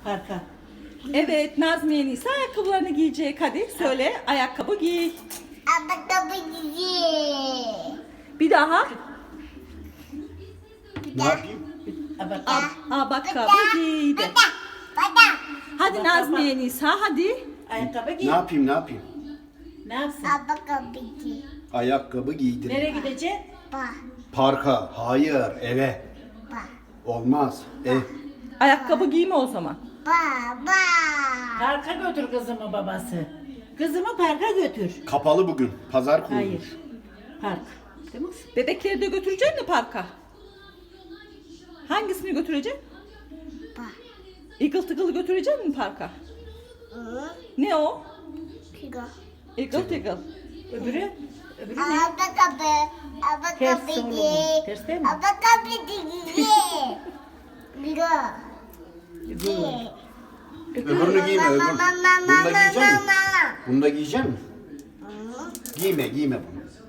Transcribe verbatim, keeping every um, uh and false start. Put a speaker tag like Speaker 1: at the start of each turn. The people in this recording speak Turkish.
Speaker 1: Parka.
Speaker 2: Evet, Nazmiye Nisa ayakkabılarını giyecek. Hadi söyle, ayakkabı giy.
Speaker 3: Ayakkabı giy.
Speaker 2: Bir daha.
Speaker 4: Ne yapayım?
Speaker 1: Bak.
Speaker 2: Ab ayakkabı giydi.
Speaker 3: Bada.
Speaker 2: Hadi
Speaker 1: Bak,
Speaker 2: Nazmiye Nisa, hadi.
Speaker 1: Ayakkabı giy.
Speaker 4: Ne yapayım ne yapayım?
Speaker 1: Ne yapsın?
Speaker 3: Ayakkabı giy.
Speaker 4: Ayakkabı giydir.
Speaker 1: Nereye gideceksin?
Speaker 3: Ba.
Speaker 4: Parka. Hayır eve.
Speaker 3: Ba.
Speaker 4: Olmaz. Ev.
Speaker 2: Ayakkabı giyme o zaman.
Speaker 3: Ba. Ba.
Speaker 1: Parka götür kızımı babası. Kızımı parka götür.
Speaker 4: Kapalı bugün. Pazar kurulmuş.
Speaker 1: Hayır. Park. Değil mi?
Speaker 2: Bebekleri de götüreceksin mi parka? Hangisini götüreceksin?
Speaker 3: Ba.
Speaker 2: Eagle Tiggle'ı götüreceksin mi parka?
Speaker 3: Hı.
Speaker 2: Ne o?
Speaker 3: Kigo.
Speaker 2: Eagle Tiggle.
Speaker 1: Öbürü? Öbürü ne?
Speaker 3: Ayakkabı.
Speaker 1: Ters
Speaker 3: Ayakkabı
Speaker 1: oğlum.
Speaker 3: giy.
Speaker 1: Ters değil mi?
Speaker 3: Ayakkabı giy. Kigo.
Speaker 1: Öbürü.
Speaker 4: Öbürünü giyme öbür. Bunu da giyecek misin? Bunu da giyecek misin? Giyme giyme bunu.